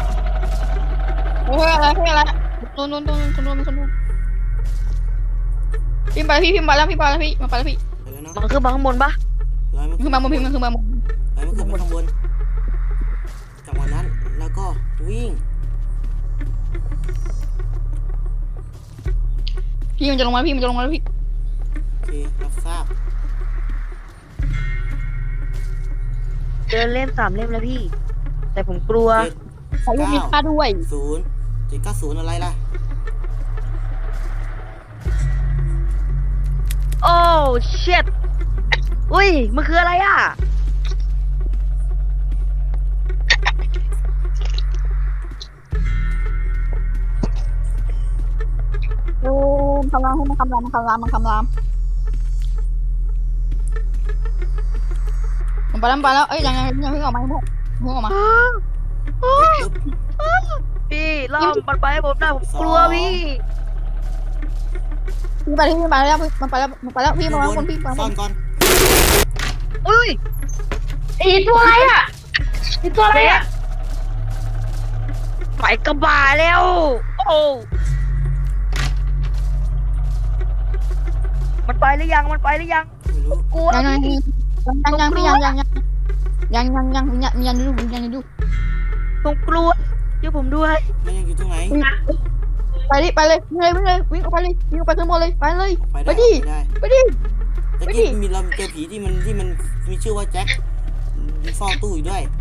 Speaker 4: เฮ้ยอะไรเฮ้ยอะไรโดนโดนโดนคนโดนคนโดนพี่ไปพี่พี่มาแล้วพี่ไปแล้วพี่มาไปแล้วพี่
Speaker 1: ไปแล้วเนาะ
Speaker 3: มันขึ้นมาข้างบนปะ
Speaker 1: ร้อยมัน
Speaker 4: ขึ้นมาบนพี่มันขึ้นมาบน
Speaker 1: ร้อยมันขึ้นไปข้างบนจังหวะนั้นแล้วก็วิ่ง
Speaker 4: พี่มันจะลงมาพี่มันจะลงมาแล้วพี่
Speaker 1: โอเครับทราบ
Speaker 3: เดินเล่มสามเล่มแล้วพี่ แต่ผมกลัว
Speaker 1: เจ็ด
Speaker 4: ขอลูกมีค่าด้วย
Speaker 1: ศูนย์เจ็ดเก้าศูนย์อะไรล่ะ
Speaker 3: โอ้เช็ดอุ้ยมันคืออะไรอ่ะ
Speaker 4: โอ้คำรามให้มันคำรามมันคำรามมันคำรามมันไปแล้วไปแล้วเอ้ยยังยังยังเพิ่งออกมาเพิ่งเพิ่งออกมา
Speaker 3: พี่ล่อมมันไปให้ผมได้ผมกลัวพี่
Speaker 4: พี่ไปพี่ไปแล้วมันไปแล้วมันไปแล้วพี่มาคนพี่มาค
Speaker 1: ซ่อน นก่อน
Speaker 3: อุ้ย
Speaker 2: ไอ้ตัวอะไรอ่ะไอ้ตัวอะไรอ่ะ
Speaker 3: ไปกระบาแล้ว โอ้มันไปหรือยังมันไปหรือยัง
Speaker 1: ไม่รู้
Speaker 3: กลัว
Speaker 4: ยังยัง
Speaker 3: พี่
Speaker 4: ยังยังพี่ยังยังยังยังยังยังยังยังดูยังดู
Speaker 3: ผมกลัวช่วยผมด้วย
Speaker 1: มันยังอยู่ตรงไหน
Speaker 4: ไปดิไปเลยวิ่งเลยวิ่งเลยวิ่งออกไปเลยวิ่งออกไปขึ้นบนเลยไปเลย
Speaker 1: ไป
Speaker 4: ไป
Speaker 1: ได้
Speaker 4: ดิ
Speaker 1: ไปได้
Speaker 4: ไปดิ
Speaker 1: ตะ
Speaker 4: ไปดิ
Speaker 1: กี้มีเราเจอผีที่มันที่มันมีชื่อว่าแจ็คมีเฝ้าตู้อยู่ด้วย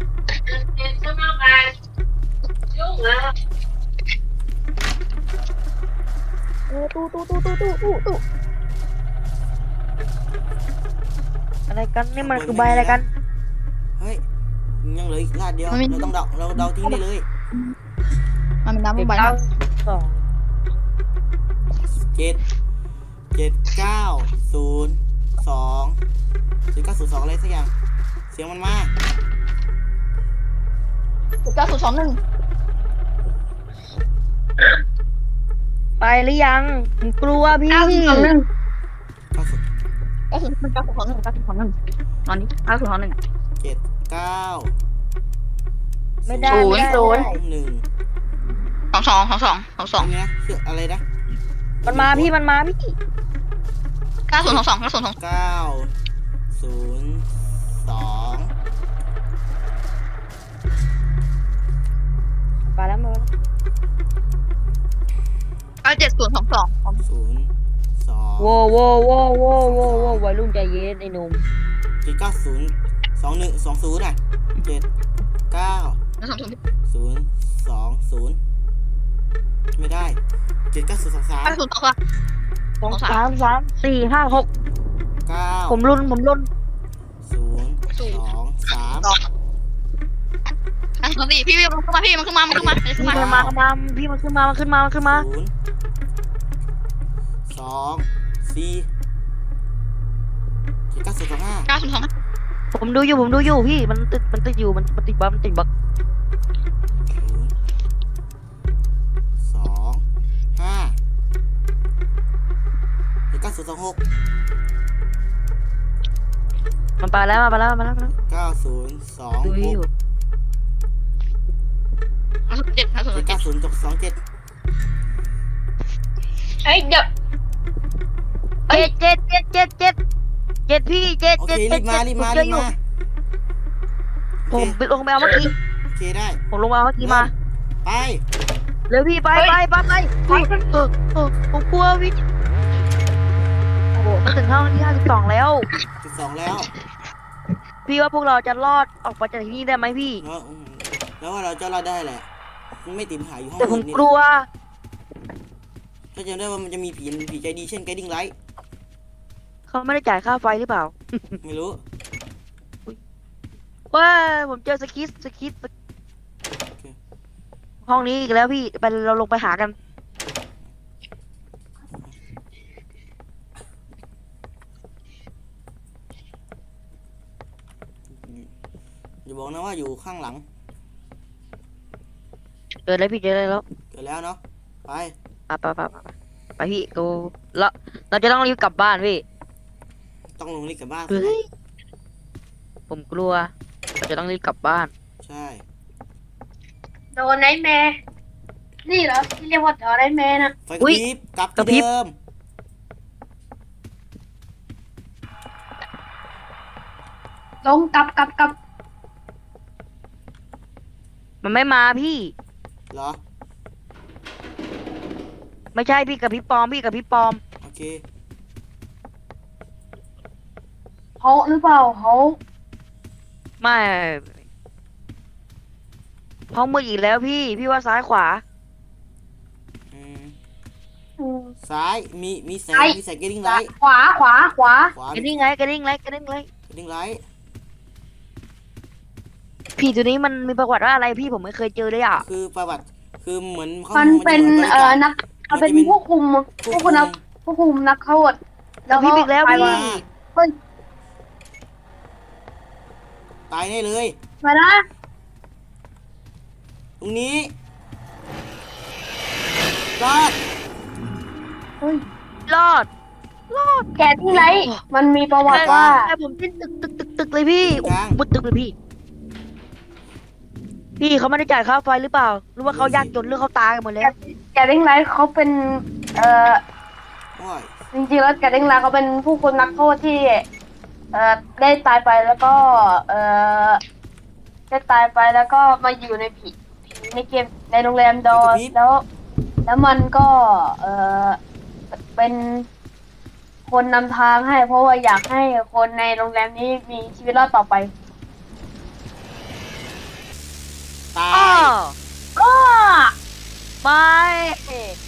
Speaker 4: เออตู้ตู้ตู้ตู้ตู้ตู้ตู้
Speaker 3: อะไรกันนี่มันคือใบอะไรกัน
Speaker 1: เฮ้ยยังเหลืออีกลาดเดียวเราต้องเดาเราเดาทิ้งได้เลย
Speaker 4: มันเป็นน้ำลงไป
Speaker 3: เก้าสอง
Speaker 1: เจ็ดเจ็ดเก้าศูนย์สองเจ็ดเก้าศูนย์สองอะไรสักอย่างเสียงมันมา
Speaker 4: เก้าศูนย์สองหนึ่ง
Speaker 3: ไปหรือยังผมกลัวพี่
Speaker 2: เก้าสิบสองหนึ่ง
Speaker 1: เก้าศูนย์
Speaker 4: เก้าศูนย์เก้าศูนย์สองหนึ่งเก้าศูนย์สองหนึ่งตอนนี้เก้าศูนย์สองหนึ่ง
Speaker 1: เจ็ดเก้า
Speaker 3: ไม่ได้
Speaker 4: ศูนย์
Speaker 3: ไม่ได้
Speaker 4: ศูนย์
Speaker 1: หนึ่ง
Speaker 4: สองสองสองสองสองสอง
Speaker 1: นี่นะชื่ออะไรนะ
Speaker 3: มันมาพี่มันมาพี่
Speaker 4: เก้าศูนย์สองสองเก้าศูนย์สอง
Speaker 1: เก้าศูนย์สอง
Speaker 3: ไปแล้วมาแล้ว
Speaker 4: เก้าเจ็ดศูนย์สองสอง
Speaker 1: ศูนย์สอง
Speaker 3: โว้โว้โว้โว้โว้โว้วัยรุ่นใจเย็นไอ้หนุ่ม
Speaker 1: เจ็ดเก้าศูนย์สองหนึ่งสองศูนย์อ่ะเจ็ดเก้า
Speaker 4: แล้วสองศูนย์
Speaker 1: ศูนย์สองศูนย์ไม่ได้เจ็ดเก้าศูนย์สองสาม
Speaker 4: เก้าศูนย์สองสาม
Speaker 3: สองสามสามสี่ห้าหก
Speaker 1: เก้า
Speaker 3: ผมรุนผมรุน
Speaker 1: ศูนย์สองสาม
Speaker 4: เก้าศูนย์สี่พี่พี่มันขึ้นมาพี่มันขึ้นมามันขึ้นมามันขึ้น
Speaker 3: พี่
Speaker 4: มา
Speaker 3: มันมามาพี่มันขึ้นมามันขึ้นมามันขึ้นมา
Speaker 1: ศูนย์สองสี่เจ็ดเก้าศูนย์สองห้า
Speaker 4: เก้าศูนย์สอง
Speaker 3: ผมดูอยู่ผมดูอยู่พี่มันติดมันติดอยู่มันมันติดบั๊กมันติดบั๊ก
Speaker 1: ศูนย์สองห้าเจ็ดเก้าศูนย์สองหก
Speaker 3: มันไปแล้วมาไปแล้วมาแล้วมาแล้ว
Speaker 1: เก้าศูนย์สอง
Speaker 3: ดู
Speaker 1: ห
Speaker 3: อยู่
Speaker 1: ก
Speaker 4: เก้าศูนย์เจ็ดเก้าศูน
Speaker 1: เจ็ด
Speaker 4: ย์เจ็
Speaker 1: เก้า
Speaker 4: ด
Speaker 1: ศูนย์สองเจ็ด
Speaker 2: ไอ้เดี๋ยว
Speaker 3: เจ็ดเจ็ดเจ็ดเจ็ดเจ็ดเจ็ดพี่เจ็ด
Speaker 1: โอเค
Speaker 3: เจ็ด
Speaker 1: รี
Speaker 3: เจ็ด
Speaker 1: บมา
Speaker 3: เจ็ด
Speaker 1: รีบ
Speaker 3: ผม
Speaker 1: มา
Speaker 3: เจ
Speaker 1: รี
Speaker 3: อบ อยู่ผมไป
Speaker 1: มาโอเค
Speaker 3: ลงไปเอาเมื่อกี้
Speaker 1: โอเคได้
Speaker 3: ผมลงมาเอาเมื่อกี้มา
Speaker 1: ไป
Speaker 3: เร็วพี่ไปไปไปไปเออเออเออผมกลัวพี่โอ้โหมันถึงห้องที่ห้าสิบสองแล้ว
Speaker 1: จุดสองแล้ว
Speaker 3: พี่ว่าพวกเราจะรอดออกมาจากที่นี่ได้ไหมพี่
Speaker 1: แล้วอืมแล้วว่าเราจะรอดได้แหละมันไม่ติดหายอยู่ห้อง
Speaker 3: แต่ผม
Speaker 1: อื่นนี่
Speaker 3: กลัว
Speaker 1: ถ้าจำได้ว่ามันจะมีผีผีใจดีเช่นไกดิ้งไลท์
Speaker 3: เขาไม่ได้จ่ายค่าไฟหรือเปล่า
Speaker 1: ไม่รู้
Speaker 3: ว่าผมเจอสคิสสคิสห้องนี้อีกแล้วพี่ไปเราลงไปหากัน
Speaker 1: อย่าบอกนะว่าอยู่ข้างหลัง
Speaker 3: เจอแล้วพี่เจอแล้ว
Speaker 1: เกิดแล้วเนาะไป
Speaker 3: ไปไปไปไปไปพี่กูแล้วเราจะต้องรีบกลับบ้านพี่
Speaker 1: ต้องลงลิฟต์กลับบ้าน
Speaker 3: เฮ้ยผมกลัวเราจะต้องรีบกลับบ้าน
Speaker 1: ใช่
Speaker 2: โดนไนท์แมร์นี่เหรอที่เรียกว่าโดนไนท์แมร์นะ
Speaker 1: ไฟกระพริบกลับที่เดิม
Speaker 2: ลงกลับกลับกลับ
Speaker 3: มันไม่มาพี่
Speaker 1: เหรอ
Speaker 3: ไม่ใช่พี่กับพี่ปอมพี่กับพี่ปอม
Speaker 1: โอเค
Speaker 2: เขาหรือเปล่าเขา
Speaker 3: ไม่ห้องมืดอีกแล้วพี่ พี่ว่าซ้ายขวา
Speaker 1: อืม
Speaker 2: อืม
Speaker 1: ซ้าย มี มีแสง
Speaker 2: ไอ้
Speaker 1: มีแสงเกดิ้งไลท์
Speaker 2: ขวาขวาขวา
Speaker 1: ขวาก
Speaker 3: ระดิ่งไงกระดิ่งไงกระดิ่งไง
Speaker 1: เกดิ้งไลท์
Speaker 3: ผีตัวนี้มันมีประวัติว่าอะไรพี่ผมไม่เคยเจอเลยอ่ะ
Speaker 1: คือประวัติ คือเหมือนขา
Speaker 2: มันเป็น
Speaker 1: จะหมืบริ
Speaker 2: เอ่
Speaker 1: กา
Speaker 2: อ
Speaker 1: ร
Speaker 2: นักมันเป็น
Speaker 1: มันจะเป็น
Speaker 2: ผู้คุม
Speaker 1: ผู้
Speaker 2: ผู้
Speaker 1: คุ
Speaker 2: คุ
Speaker 1: ม
Speaker 2: มนักผู้คุมนักโทษแล้ว
Speaker 3: พี่
Speaker 2: ก็
Speaker 3: อีกแล้ว
Speaker 2: ไป
Speaker 3: พี่
Speaker 2: มาเฮ้ย
Speaker 1: ตายแน่เลย
Speaker 2: มานะ
Speaker 1: ตรงนี้รอด
Speaker 2: เฮ้ย
Speaker 3: รอด รอด
Speaker 2: แกที่ไรมันมีประวัติว่า
Speaker 3: แต่ผมขึ้นตึกตึกตึกตึกเลยพี่
Speaker 1: กลาง
Speaker 3: มุดตึกเลยพี่ พี่เขาไม่ได้จ่ายค่าไฟหรือเปล่า หรือว่าเขายากจนหรือเขาตายกันหมดแล้ว
Speaker 2: แกเด้งไรเขาเป็นเอ่อ
Speaker 1: โอ้ย
Speaker 2: จริงๆแล้วแกเด้งไรเขาเป็นผู้คุมนักโทษที่เอ่อได้ตายไปแล้วก็เอ่อได้ตายไปแล้วก็มาอยู่ในผีผีในเกมในโรงแรมดอนแล้ว แล้วมันก็เอ่อเป็นคนนำทางให้ เพราะว่าอยากให้คนในโรงแรมนี้มีชีวิตรอดต่อไป
Speaker 1: ตา
Speaker 3: อ้อย
Speaker 2: ก็
Speaker 3: ไม่